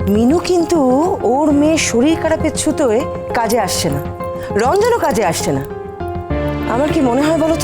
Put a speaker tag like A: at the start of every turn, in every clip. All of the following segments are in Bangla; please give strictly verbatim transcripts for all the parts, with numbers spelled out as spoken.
A: মিনু কিন্তু ওর মেয়ের শরীর খারাপের ছুতোয় কাজে আসছে না, রঞ্জনও কাজে আসছে না। আমার কি মনে হয় বলো তো,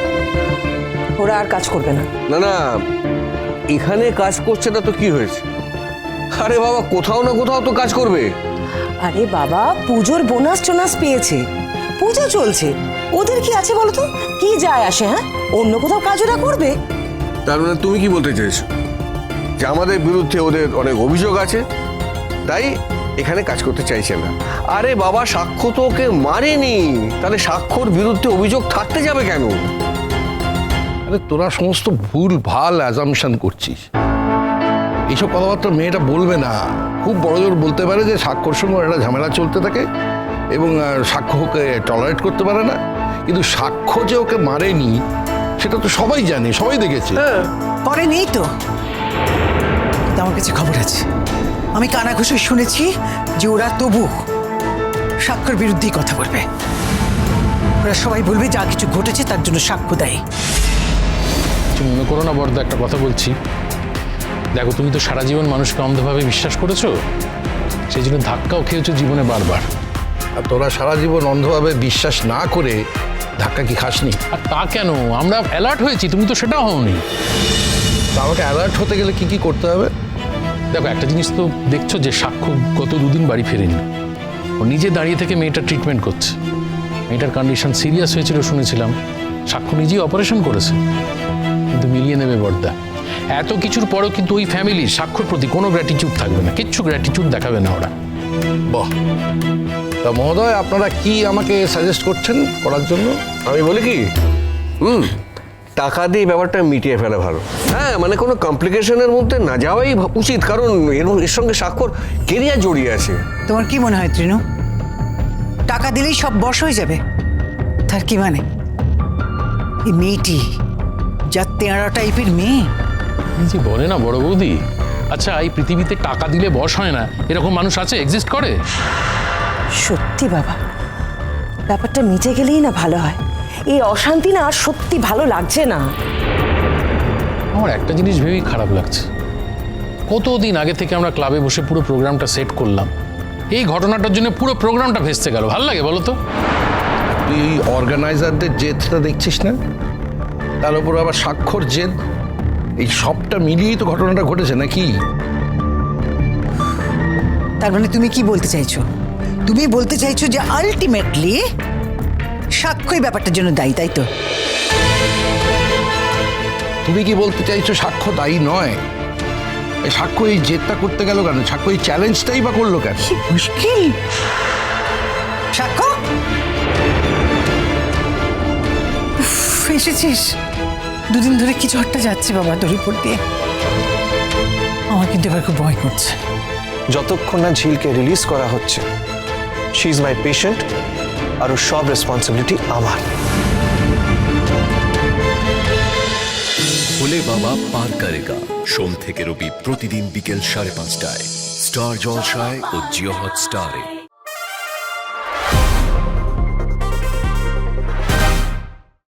A: ওরা আর কাজ করবে না।
B: না না, এখানে কাজ করছে না তো কি হয়েছে? আরে বাবা, কোথাও না কোথাও তো কাজ করবে।
A: আরে বাবা, পুজোর বোনাস টোনাস পেয়েছে, পুজো চলছে, ওদের কি আছে বলো তো? কি যায় আসে? হ্যাঁ, অন্য কোথাও কাজ ওরা করবে।
B: তার মানে তুমি কি বলতে চাইছো যে আমাদের বিরুদ্ধে ওদের অনেক অভিযোগ আছে, তাই এখানে কাজ করতে চাইছে না? আরে বাবা, সাক্ষ্য তো ওকে মারেনি, তাহলে সাক্ষ্যর বিরুদ্ধে অভিযোগ থাকতে যাবে কেন?
C: আরে তোরা সমস্ত ভুল ভাল অ্যাজাম্পশন করছিস। এইসব কথাবার্তা মেয়েটা বলবে না। খুব বড় জোর বলতে পারে যে সাক্ষ্যর সঙ্গে একটা ঝামেলা চলতে থাকে এবং সাক্ষ্য ওকে টলারেট করতে পারে না, কিন্তু সাক্ষ্য যে ওকে মারেনি সেটা তো সবাই জানে, সবাই দেখেছে।
D: পরে নেই তো, আমার কাছে খবর আছে, আমি কানাঘুষো শুনেছি যে ওরা তবু সাক্ষ্যর বিরুদ্ধেই কথা বলবে। ওরা সবাই বলবে যা কিছু ঘটেছে তার জন্য সাক্ষ্য দেয়।
E: তুমি মনে করো না বড়দা, একটা কথা বলছি, দেখো তুমি তো সারা জীবন মানুষকে অন্ধভাবে বিশ্বাস করেছো, সেই জন্য ধাক্কাও খেয়েছো জীবনে বারবার।
C: আর তোরা সারা জীবন অন্ধভাবে বিশ্বাস না করে ধাক্কা কি খাসনি?
E: আর তা কেন, আমরা অ্যালার্ট হয়েছি, তুমি তো সেটাও হওনি।
C: তা আমাকে অ্যালার্ট হতে গেলে কি কি করতে হবে?
E: দেখো, একটা জিনিস তো দেখছো যে সাক্ষ্য গত দুদিন বাড়ি ফেরেনি, ও নিজে দাঁড়িয়ে থেকে মেয়েটার ট্রিটমেন্ট করছে। মেয়েটার কন্ডিশন সিরিয়াস হয়েছিল শুনেছিলাম, সাক্ষ্য নিজেই অপারেশন করেছে। কিন্তু মিলিয়ে নেবে বড়দা, এত কিছুর পরেও কিন্তু ওই ফ্যামিলির সাক্ষ্যর প্রতি কোনো গ্র্যাটিটিউড থাকবে না, কিচ্ছু গ্র্যাটিটিউড দেখাবে না ওরা।
C: বাহ, তা মহোদয় আপনারা কি আমাকে সাজেস্ট করছেন করার জন্য?
B: আমি বলি কি, হুম টাকা দিয়ে ব্যাপারটা মিটিয়ে ফেলা ভালো। হ্যাঁ, মানে কোনো কমপ্লিকেশনের মধ্যে না যাওয়াই উচিত, কারণ এর এর সঙ্গে সাক্ষ্যর কেরিয়ার জড়িয়ে আছে।
D: তোমার কি মনে হয় তৃণু, টাকা দিলেই সব বশ হয়ে যাবে? তার কি মানে? এই মেয়েটি যা তেঁড়া টাইপের মেয়ে।
E: এই যে বলে না বড় বৌদি, আচ্ছা এই পৃথিবীতে টাকা দিলে বশ হয় না এরকম মানুষ আছে, এক্সিস্ট করে?
A: সত্যি বাবা, ব্যাপারটা মিটে গেলেই না ভালো হয়। এই অশান্তি না আর সত্যি ভালো লাগছে না।
E: আমার একটা জিনিস ভেবেই খারাপ লাগছে, কতদিন আগে থেকে আমরা ক্লাবে বসে পুরো প্রোগ্রামটা সেট করলাম, এই ঘটনাটার জন্য পুরো প্রোগ্রামটা ভেস্তে গেল। ভালো লাগে বলো তো?
C: তুই এই অর্গানাইজারদের জেদটা দেখছিস না, তার উপর আবার স্বাক্ষর জেদ, এই সবটা মিলিয়েই তো ঘটনাটা ঘটেছে নাকি?
D: তার মানে তুমি কি বলতে চাইছো? তুমি বলতে চাইছো যে আলটিমেটলি সাক্ষ্যই ব্যাপারটার জন্য দায়ী, তাই তো?
C: তুমি কি বলতে চাইছো সাক্ষ্য দায়ী নয়? এই সাক্ষ্য এই জেদটা করতে গেল কেন? সাক্ষ্য এই চ্যালেঞ্জটাই বা করলো কেন?
D: কি মুশকিল! সাক্ষ্য উফ, এসেছিস? দুদিন ধরে কি ঝড়টা যাচ্ছে বাবা তোর উপর দিয়ে, আমার কিন্তু এবার খুব ভয় করছে।
F: যতক্ষণ না ঝিলকে রিলিজ করা হচ্ছে, শি ইজ মাই পেশেন্ট, আর ওর সব রেসপন্সিবিলিটি আমার।
G: ভোলে বাবা পার করেগা, সোম থেকে রবি প্রতিদিন বিকেল সাড়ে পাঁচটায় স্টার জলসায় ও জিও হটস্টারে।